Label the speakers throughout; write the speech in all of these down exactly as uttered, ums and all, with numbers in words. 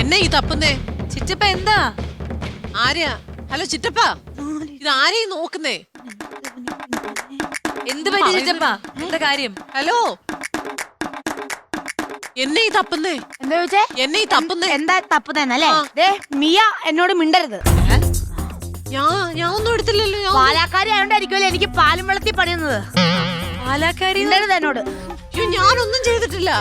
Speaker 1: എന്നെ ഈ തപ്പുന്നേ?
Speaker 2: ചിറ്റപ്പ എന്താ?
Speaker 1: ആരെയാ? ഹലോ ചിറ്റപ്പ, ഇത് ആരെയും നോക്കുന്നേ?
Speaker 2: എന്ത് പറ്റി ചിറ്റപ്പ? എന്താ കാര്യം?
Speaker 1: ഹലോ, എന്നെ ഈ തപ്പുന്നേ?
Speaker 3: എന്താ ചോദിച്ചേ?
Speaker 1: എന്നെ ഈ തപ്പുന്നേ?
Speaker 3: എന്താ തപ്പുന്നല്ലേ? മിയ എന്നോട് മിണ്ടരുത്.
Speaker 1: ഞാൻ ഞാൻ ഒന്നും എടുത്തില്ലല്ലോ.
Speaker 3: പാലാക്കാരി ആയോണ്ടായിരിക്കുമല്ലോ എനിക്ക് പാലും വെള്ളത്തിൽ പണിയുന്നത്.
Speaker 2: പാലാക്കാരി
Speaker 3: എന്നോട്
Speaker 1: ഞാനൊന്നും ചെയ്തിട്ടില്ല.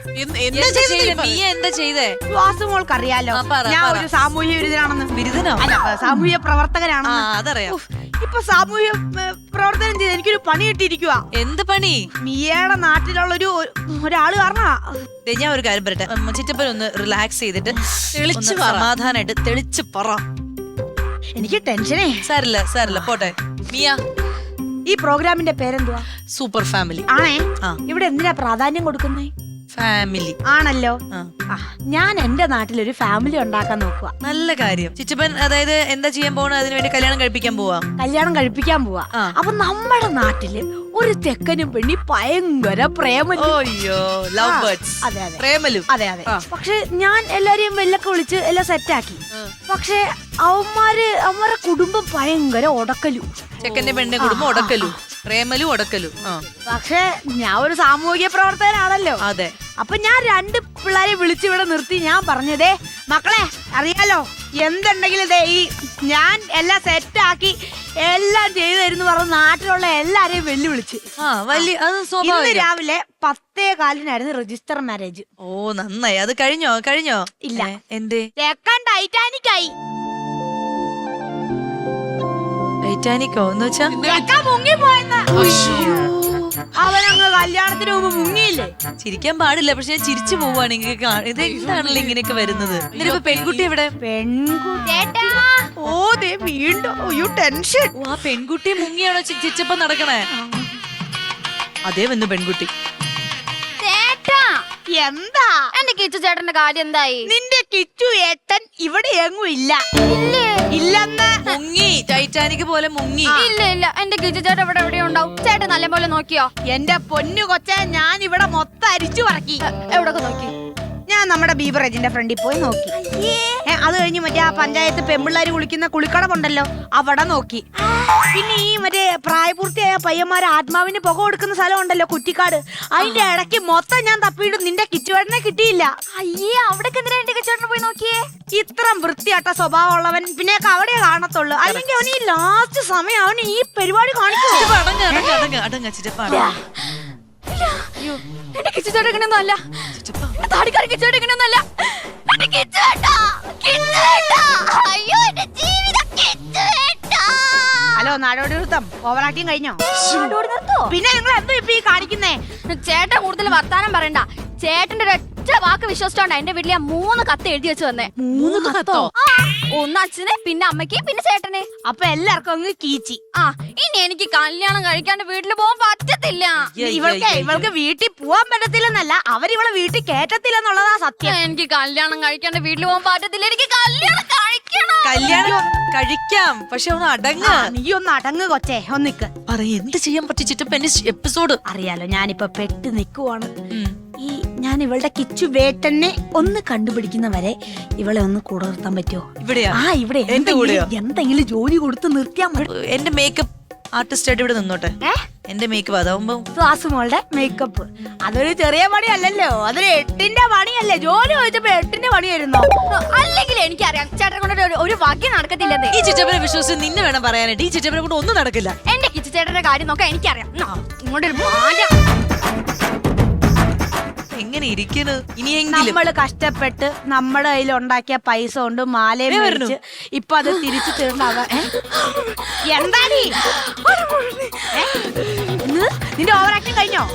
Speaker 2: എന്താ ചെയ്തേ?
Speaker 3: വാസുമോൾക്ക് അറിയാലോ ഞാൻ ഒരു സാമൂഹ്യ വിരുദ്ധനാണെന്ന്.
Speaker 2: ബിരുദനോ?
Speaker 3: അല്ല, സാമൂഹ്യ പ്രവർത്തകനാണെന്ന്.
Speaker 2: അതറിയാം.
Speaker 3: ഇപ്പൊ സാമൂഹ്യ പ്രവർത്തനം ചെയ്ത് എനിക്കൊരു പണി കിട്ടിയിരിക്കുക.
Speaker 2: എന്ത് പണി?
Speaker 3: മിയയുടെ നാട്ടിലുള്ള ഒരു ഒരാള് കാരണ.
Speaker 2: ഞാൻ ഒരു കാര്യം പറയട്ടെ, ചിറ്റപ്പൻ ഒന്ന് റിലാക്സ് ചെയ്തിട്ട് സമാധാനായിട്ട് തെളിച്ച് പറ.
Speaker 3: എനിക്ക് ടെൻഷനേ.
Speaker 2: സാരില്ല സാരില്ല, പോട്ടെ. മിയ,
Speaker 3: ഈ പ്രോഗ്രാമിന്റെ പേരെന്തുവാ?
Speaker 2: സൂപ്പർ ഫാമിലി
Speaker 3: ആണേ. ഇവിടെ എന്തിനാ പ്രാധാന്യം കൊടുക്കുന്നേ?
Speaker 2: ഫാമിലി
Speaker 3: ആണല്ലോ. ഞാൻ എന്റെ നാട്ടിലൊരു ഫാമിലി ഉണ്ടാക്കാൻ നോക്കുക.
Speaker 2: നല്ല കാര്യം. ചിറ്റപ്പൻ അതായത് എന്താ ചെയ്യാൻ പോണ? അതിനു വേണ്ടി കല്യാണം കഴിപ്പിക്കാൻ പോവാ?
Speaker 3: കല്യാണം കഴിപ്പിക്കാൻ പോവാ. അപ്പൊ നമ്മുടെ നാട്ടില് ഒരു തെക്കനും പെണ്ണി ഭയങ്കര പ്രേമലു.
Speaker 2: Love birds.
Speaker 3: അതെ അതെ
Speaker 2: പ്രേമലു.
Speaker 3: അതെ അതെ. പക്ഷെ ഞാൻ എല്ലാരെയും വെല്ലൊക്കെ വിളിച്ച് എല്ലാം സെറ്റാക്കി. പക്ഷെ അവന്മാര് അവന്മാരെ കുടുംബം ഭയങ്കര ഒടക്കലു.
Speaker 2: ചെക്കന്റെ പെണ്ണിന്റെ കുടുംബം ഒടക്കലു, പ്രേമലു ഒടക്കലു.
Speaker 3: പക്ഷെ ഞാൻ ഒരു സാമൂഹിക പ്രവർത്തകനാണല്ലോ.
Speaker 2: അതെ.
Speaker 3: അപ്പൊ ഞാൻ രണ്ട് പിള്ളേരെ വിളിച്ചിവിടെ നിർത്തി ഞാൻ പറഞ്ഞതേ, മക്കളെ അറിയാലോ എന്തുണ്ടെങ്കിലും ദേ ഈ ഞാൻ എല്ലാം സെറ്റാക്കി എല്ലാം ചെയ്തു തരുന്നു പറഞ്ഞ് നാട്ടിലുള്ള എല്ലാരെയും വെല്ലുവിളിച്ച്. ഇന്ന് രാവിലെ പത്തേ കാലിനായിരുന്നു രജിസ്റ്റർ മാരേജ്.
Speaker 2: ഓ നന്നായി. അത് കഴിഞ്ഞോ? കഴിഞ്ഞോ?
Speaker 3: ഇല്ല.
Speaker 2: എന്തേ?
Speaker 3: തെക്കൻ ടൈറ്റാനിക് ആയി.
Speaker 2: ടൈറ്റാനിക്കോ എന്ന് വെച്ചാ?
Speaker 3: മുങ്ങിപ്പോയെന്ന്. അവനങ്ങ് കല്യാണത്തിന് മുമ്പ് മുങ്ങിയില്ലേ?
Speaker 2: ചിരിക്കാൻ പാടില്ല, പക്ഷെ ഞാൻ ചിരിച്ചു പോവാണെങ്കിൽ ഇത് എന്താണല്ലോ ഇങ്ങനെയൊക്കെ വരുന്നത്. എന്നിട്ട് പെൺകുട്ടി എവിടെ?
Speaker 3: പെൺകുട്ടി ഓ ദേ വീണ്ടും ടെൻഷൻ.
Speaker 2: ആ പെൺകുട്ടി മുങ്ങിയാണോ ചിരിച്ചപ്പോ നടക്കണേ? അതേ വന്നു പെൺകുട്ടി.
Speaker 3: എന്താ
Speaker 4: എന്റെ കിച്ചു ചേട്ടന്റെ കാര്യം എന്തായി?
Speaker 3: നിന്റെ കിച്ചു ഏട്ടൻ ഇവിടെ എങ്ങും ഇല്ല. ഇല്ലെന്ന്.
Speaker 2: മുങ്ങി, ടൈറ്റാനിക് പോലെ മുങ്ങി.
Speaker 4: ഇല്ല ഇല്ല, എന്റെ കിച്ചു ചേട്ടൻ ഇവിടെ എവിടെയോ ഉണ്ടാവും. ചേട്ടൻ നല്ല പോലെ നോക്കിയോ?
Speaker 3: എന്റെ പൊന്നു കൊച്ചേ, ഞാൻ ഇവിടെ മൊത്തം അരിച്ചു പറക്കി.
Speaker 4: എവിടൊക്കെ നോക്കി?
Speaker 3: ഞാൻ നമ്മുടെ ബീവറേജിന്റെ ഫ്രണ്ടിൽ പോയി നോക്കി. അത് കഴിഞ്ഞ് മറ്റേ ആ പഞ്ചായത്ത് പെമ്പിള്ളാര് കുളിക്കുന്ന കുളിക്കടമുണ്ടല്ലോ അവിടെ നോക്കി. പിന്നെ ഈ മറ്റേ പ്രായപൂർത്തിയായ പയ്യന്മാരെ ആത്മാവിന് പുക കൊടുക്കുന്ന സ്ഥലം ഉണ്ടല്ലോ കുറ്റിക്കാട്, അതിന്റെ ഇടയ്ക്ക് മൊത്തം ഞാൻ തപ്പിയിട്ട് നിന്റെ കിച്ചുവേട്ടനെ കിട്ടിയില്ല.
Speaker 4: അയ്യേ, അവിടെ എന്റെ കിച്ചുവേട്ടനെ പോയി നോക്കിയേ.
Speaker 3: ഇത്രം വൃത്തിയാട്ട സ്വഭാവം ഉള്ളവൻ പിന്നെ അവിടെ കാണത്തുള്ളൂ. അല്ലെങ്കിൽ അവന് ഈ ലാസ്റ്റ് സമയം അവന് ഈ പരിപാടി കാണിക്കും.
Speaker 4: എന്റെ കിച്ചുചേട്ടൻ ഇങ്ങനെയൊന്നും അല്ല. താടിക്കാരൻ കിച്ചുചേട്ടൻ ഇങ്ങനെയൊന്നും അല്ല. എന്റെ കിച്ചുചേട്ടാ, കിച്ചുചേട്ടാ, അയ്യോ എന്റെ ജീവിതം കിച്ചുചേട്ടാ.
Speaker 3: ഹലോ, നാടോടി നൃത്തം ഓവറാക്കിയും കഴിഞ്ഞോ?
Speaker 4: നാടോടി നിർത്തോ?
Speaker 3: പിന്നെ നിങ്ങൾ എന്തോ ഇപ്പൊ ഈ കാണിക്കുന്നേ?
Speaker 4: ചേട്ടൻ കൂടുതൽ വർത്താനം പറയണ്ട. ചേട്ടന്റെ ഒറ്റ വാക്ക് വിശ്വസിച്ചോണ്ടാ എന്റെ വീട്ടിൽ ഞാൻ മൂന്ന് കത്ത് എഴുതി വെച്ച് വന്നേ.
Speaker 1: മൂന്ന് കത്തോ?
Speaker 4: ഒന്ന് അച്ഛന്, പിന്നെ അമ്മയ്ക്ക്, പിന്നെ ചേട്ടന്.
Speaker 3: അപ്പൊ എല്ലാവർക്കും അങ്ങ് കീച്ചി.
Speaker 4: ആ ഇനി എനിക്ക് കല്യാണം കഴിക്കാണ്ട് വീട്ടിൽ പോകാൻ പറ്റത്തില്ല.
Speaker 3: ഇവൾക്ക് ഇവൾക്ക് വീട്ടിൽ പോവാൻ പറ്റത്തില്ലെന്നല്ല, അവരിവളെ വീട്ടിൽ കേറ്റത്തില്ലെന്നുള്ളതാ സത്യം.
Speaker 4: എനിക്ക് കല്യാണം കഴിക്കാണ്ട് വീട്ടിൽ പോകാൻ പറ്റത്തില്ല. എനിക്ക് കല്യാണം കഴിക്കണം.
Speaker 2: കല്യാണം കഴിക്കാം, പക്ഷെ ഒന്ന് അടങ്ങ.
Speaker 3: നീ ഒന്ന് അടങ്ങ് കൊച്ചേ, ഒന്നിക്ക്
Speaker 2: പറയ. എന്ത് ചെയ്യാൻ പറ്റിച്ചിട്ട് എപ്പിസോഡ്
Speaker 3: അറിയാലോ. ഞാനിപ്പൊ പെട്ട് നിക്കുവാണ്. ഈ ഞാൻ ഇവളുടെ കിച്ചു വേട്ടനെ ഒന്ന് കണ്ടുപിടിക്കുന്നവരെ ഇവളെ ഒന്ന് കൂടെ നിർത്താൻ പറ്റുമോ?
Speaker 2: ഇവിടെയാ?
Speaker 3: ആ ഇവിടെ എന്തെങ്കിലും ജോലി കൊടുത്ത് നിർത്തിയാൽ മതി.
Speaker 2: എന്റെ മേക്കപ്പ് ആർട്ടിസ്റ്റ് ആയിട്ട് ഇവിടെ നിന്നോട്ടെ. എന്റെ മേക്കപ്പ് അതാവുമ്പോ
Speaker 3: വാസുമോളുടെ മേക്കപ്പ് അതൊരു ചെറിയ പണിയല്ലല്ലോ, അതൊരു എട്ടിന്റെ പണിയല്ലേ. ജോലി ചോദിച്ചപ്പോ എട്ടിന്റെ പണിയായിരുന്നോ?
Speaker 4: അല്ലെങ്കിൽ എനിക്കറിയാം ചേട്ടനെ കൊണ്ട് ഒരു വകി നടക്കത്തില്ലെന്ന്.
Speaker 2: ഈ ചിറ്റപ്പനെ വിശ്വസിച്ച് നിന്നെ വേണം പറയാനായിട്ട്. ഈ ചിറ്റപ്പനെ കൊണ്ട് ഒന്നും നടക്കില്ല.
Speaker 4: എന്റെ കിച്ചു ചേട്ടന്റെ കാര്യം നോക്കാൻ എനിക്കറിയാം. ഇങ്ങോട്ടൊരു
Speaker 2: എങ്ങനെ ഇരിക്കുന്നു? ഇനിയെങ്കിലും
Speaker 3: നമ്മള് കഷ്ടപ്പെട്ട് നമ്മുടെ കയ്യിൽ ഉണ്ടാക്കിയ പൈസ കൊണ്ട് മാലയും മേടിച്ച് ഇപ്പൊ അത് തിരിച്ചു തരുന്ന എന്താ നിന്റെ ഓവർ ആക്ടിങ് കഴിഞ്ഞോ?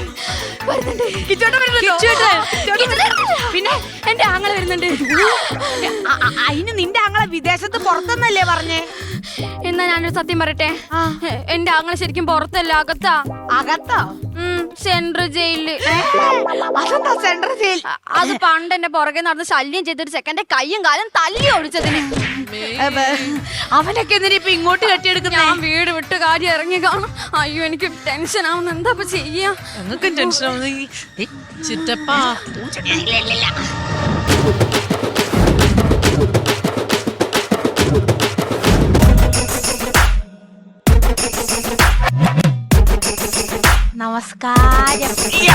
Speaker 4: പിന്നെ എന്റെ ആങ്ങളെ വരുന്നുണ്ട്.
Speaker 3: അതിന് നിന്റെ ആങ്ങളെ വിദേശത്ത് പുറത്തെന്നല്ലേ പറഞ്ഞേ?
Speaker 4: എന്നാ ഞാനൊരു സത്യം പറയട്ടെ, എന്റെ ആങ്ങളെ ശരിക്കും പുറത്തല്ല, അകത്താ.
Speaker 3: അകത്തോ?
Speaker 4: സെൻട്രൽ ജയിലില്.
Speaker 3: അതെന്താ സെൻട്രൽ ജയിൽ?
Speaker 4: അത് പണ്ട് എന്റെ പുറകെ നടന്ന് ശല്യം ചെയ്തൊരു ചെക്കന്റെ കയ്യും കാലും തല്ലി ഓടിച്ചതിന്.
Speaker 3: അവനൊക്കെ എന്തിനാ ഇപ്പൊ ഇങ്ങോട്ട് കെട്ടിയെടുക്കുന്ന?
Speaker 4: ഞാൻ വീട് വിട്ട് കാര്യം ഇറങ്ങി കാണും. അയ്യോ എനിക്ക് ടെൻഷൻ ആവുന്നു. എന്താ ചെയ്യാ?
Speaker 2: ഞങ്ങൾക്കും ടെൻഷൻ ആവുന്നു.
Speaker 1: ചിറ്റപ്പാ
Speaker 3: നമസ്കാരം.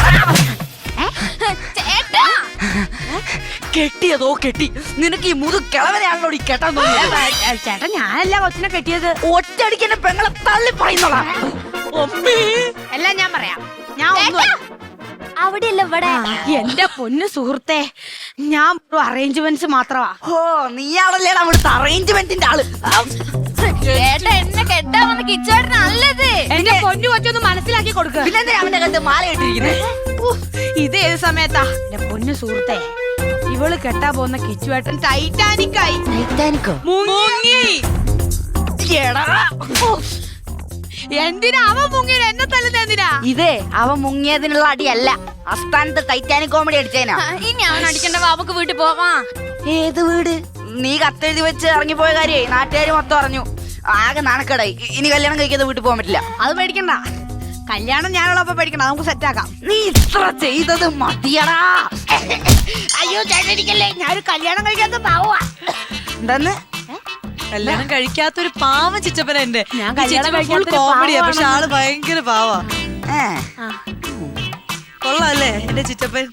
Speaker 4: ചേട്ടാ
Speaker 2: കെട്ടിയതോ കെട്ടി നിനക്ക് ഈ മുതു കിളവനെയാണല്ലോ ഈ കെട്ടാൻ തോന്നിയത്.
Speaker 3: ഏ, ചേട്ടാ ഞാനല്ല കൊച്ചിനെ കെട്ടിയത്.
Speaker 2: ഒറ്റയടിക്ക് പെങ്ങളെ തള്ളി പറയുന്നോളാ.
Speaker 3: എല്ലാം ഞാൻ പറയാം. ഞാൻ ഒന്നും
Speaker 4: അവിടെയല്ല ഇവിടെ.
Speaker 3: എന്റെ പൊന്നു സുഹൃത്തെ, ഞാൻ അറേഞ്ച്മെന്റ്സ് മാത്രമാ.
Speaker 2: ഓ നീയാണല്ലേടാ അവിടുത്തെ അറേഞ്ച്മെന്റിന്റെ ആള്.
Speaker 4: ചേട്ടാ എന്നെ കെട്ടാൻ വന്ന കിച്ചുവേട്ടൻ നല്ലത്.
Speaker 3: എന്റെ പൊന്നു കൊച്ചൊന്ന് മനസ്സിലാക്കി കൊടുക്കുക.
Speaker 2: പിന്നെ അവന്റെ കണ്ട് മാല ഇട്ടിരിക്കുന്നത്.
Speaker 3: ഇത് ഏത് സമയത്താ എന്റെ പൊന്നു സുഹൃത്തെ? ഇവള് കെട്ടാ പോകുന്ന കിച്ചുവേട്ടൻ ടൈറ്റാനിക് ആയി.
Speaker 2: ടൈറ്റാനിക്കോ?
Speaker 3: മുങ്ങി.
Speaker 2: എടാ
Speaker 3: എന്തിനാ അവൻ മുങ്ങിയത്? എന്നെ തല്ലുന്ന എന്തിനാ?
Speaker 2: ഇതേ അവൻ മുങ്ങിയതിനുള്ള അടിയല്ല, അസ്ഥാനത്ത് ടൈറ്റാനിക് കോമഡി അടിച്ചേനാ.
Speaker 4: ഇനി അവൻ അടിക്കണ്ട, ബാബുക്ക് വീട്ടിൽ പോവാ.
Speaker 2: ഏത് വീട്? നീ കത്തെഴുതി വെച്ച് ഇറങ്ങിപ്പോയ കാര്യേ നാട്ടുകാര് മൊത്തം അറിഞ്ഞു. ആകെ നാണക്കേടായി. ഇനി കല്യാണം കഴിക്കാതെ വീട്ടിൽ പോകാൻ പറ്റില്ല.
Speaker 3: അത് പേടിക്കണ്ട, കല്യാണം ഞാനുള്ളപ്പോ പേടിക്കണ്ട, നമുക്ക് സെറ്റാക്കാം.
Speaker 2: നീ ഇത്ര ചെയ്തത് മതിയടാ.
Speaker 3: അയ്യോ ചേട്ടനിക്കല്ലേ, ഞാനൊരു കല്യാണം കഴിക്കാത്ത പാവാ.
Speaker 2: എന്താന്ന്?
Speaker 5: കല്യാണം കഴിക്കാത്തൊരു പാവം ചിറ്റപ്പന എന്റെ.
Speaker 3: ഞാൻ കല്യാണം കഴിക്കാത്തൊരു
Speaker 5: കോമഡിയാ, പക്ഷെ
Speaker 3: പാവമാണെന്ന്.
Speaker 5: ആള് ഭയങ്കര പാവാ.
Speaker 2: ഏ
Speaker 5: കൊള്ളാല്ലേ എന്റെ ചിറ്റപ്പൻ?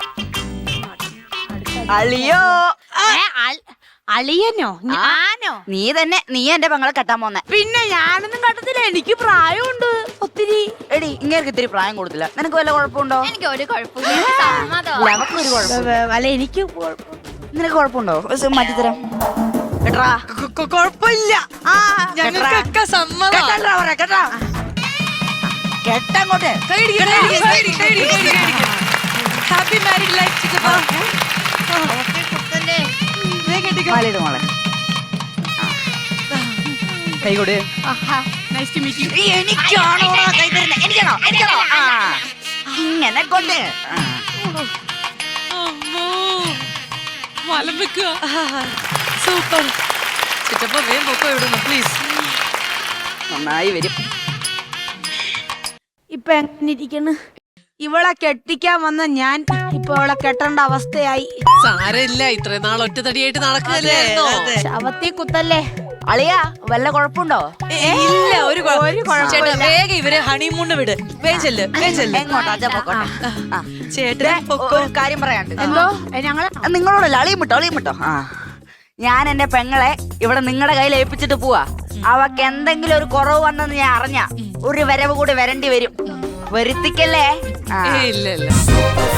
Speaker 2: അളിയോ.
Speaker 3: ഏ, അൽ- അളിയനോ? ഞാനോ?
Speaker 2: നീ തന്നെ, നീ എന്റെ പെങ്ങളെ കെട്ടാൻ പോന്നെ.
Speaker 3: പിന്നെ ഞാനൊന്നും കണ്ടത്തില്ല, എനിക്ക് പ്രായമുണ്ട് ഒത്തിരി.
Speaker 2: എടി ഇങ്ങനെ ഇത്തിരി പ്രായം കൊടുത്തില്ല. നിനക്ക് വല്ല കുഴപ്പമുണ്ടോ?
Speaker 4: എനിക്ക് ഒരു കുഴപ്പമില്ല, സമ്മതം.
Speaker 2: നമുക്കൊരു കുഴപ്പം.
Speaker 3: അല്ല എനിക്ക് കുഴപ്പം.
Speaker 2: നിനക്ക് കുഴപ്പമുണ്ടോ? മാറ്റിത്തരാം കേട്ടാ.
Speaker 5: കൊ- കൊ- കൊഴപ്പില്ല.
Speaker 2: ആ
Speaker 5: ഞങ്ങൾക്കൊക്കെ സമ്മതം.
Speaker 2: കേട്ടാ പറയാ കേട്ടാ. കേട്ടങ്ങോട്ട്.
Speaker 5: ഹാപ്പി മാരീഡ് ലൈഫ് ചിറ്റപ്പ.
Speaker 2: മാലയിട് മോളെ. കൈ കൊടു.
Speaker 3: Nice to meet you.
Speaker 2: എനിക്കാണോ കൈ തരുന്നത്? എനിക്കാണോ? എനിക്കാണോ? ആ ഇങ്ങനെ കൊണ്ട്.
Speaker 5: മലം വെക്കുക. സൂപ്പർ ചിറ്റപ്പ, വേഗം പൊക്കോ ഇവിടുന്ന് പ്ലീസ്.
Speaker 2: നന്നായി വരും.
Speaker 3: ഇപ്പൊ എങ്ങനെ ഇരിക്കണ്? ഇവളെ കെട്ടിക്കാൻ വന്ന ഞാൻ ഇപ്പൊ അവളെ കെട്ടേണ്ട അവസ്ഥയായി.
Speaker 1: സാരമില്ല, ഇത്രയും നാൾ ഒറ്റത്തടിയായിട്ട് നടക്കുകയല്ലായിരുന്നോ?
Speaker 3: ശവത്തി കുത്തല്ലേ.
Speaker 2: അളിയാ വല്ല കുഴപ്പമുണ്ടോ?
Speaker 5: ഇല്ല, ഒരു കുഴ-
Speaker 3: ഒരു കുഴപ്പമില്ല.
Speaker 5: ചേട്ടാ വേഗം ഇവരെ ഹണിമൂണ് വിട്. വേഗം ചെല്ല്, വേഗം ചെല്ല്.
Speaker 2: എങ്ങോട്ടാ? അച്ഛാ പൊക്കോട്ടെ. ആ.
Speaker 5: ചേട്ടൻ
Speaker 2: ദേ,
Speaker 5: പൊക്കോ.
Speaker 2: ഒരു കാര്യം പറയാണ്ട്.
Speaker 3: എന്തോ ഏ, ഞങ്ങളെ
Speaker 2: നിങ്ങളോടല്ല, അളിയും വിട്ടോ, അളിയും വിട്ടോ. ആ ഞാൻ എന്റെ പെങ്ങളെ ഇവിടെ നിങ്ങളുടെ കയ്യിൽ ഏൽപ്പിച്ചിട്ട് പോവാ. അവക്ക് എന്തെങ്കിലും ഒരു കുറവ് വന്നെന്ന് ഞാൻ അറിഞ്ഞ ഒരു വരവ് കൂടി വരേണ്ടി വരും. വരുത്തിക്കല്ലേ? ആ
Speaker 1: ഏയ്, ഇല്ല ഇല്ല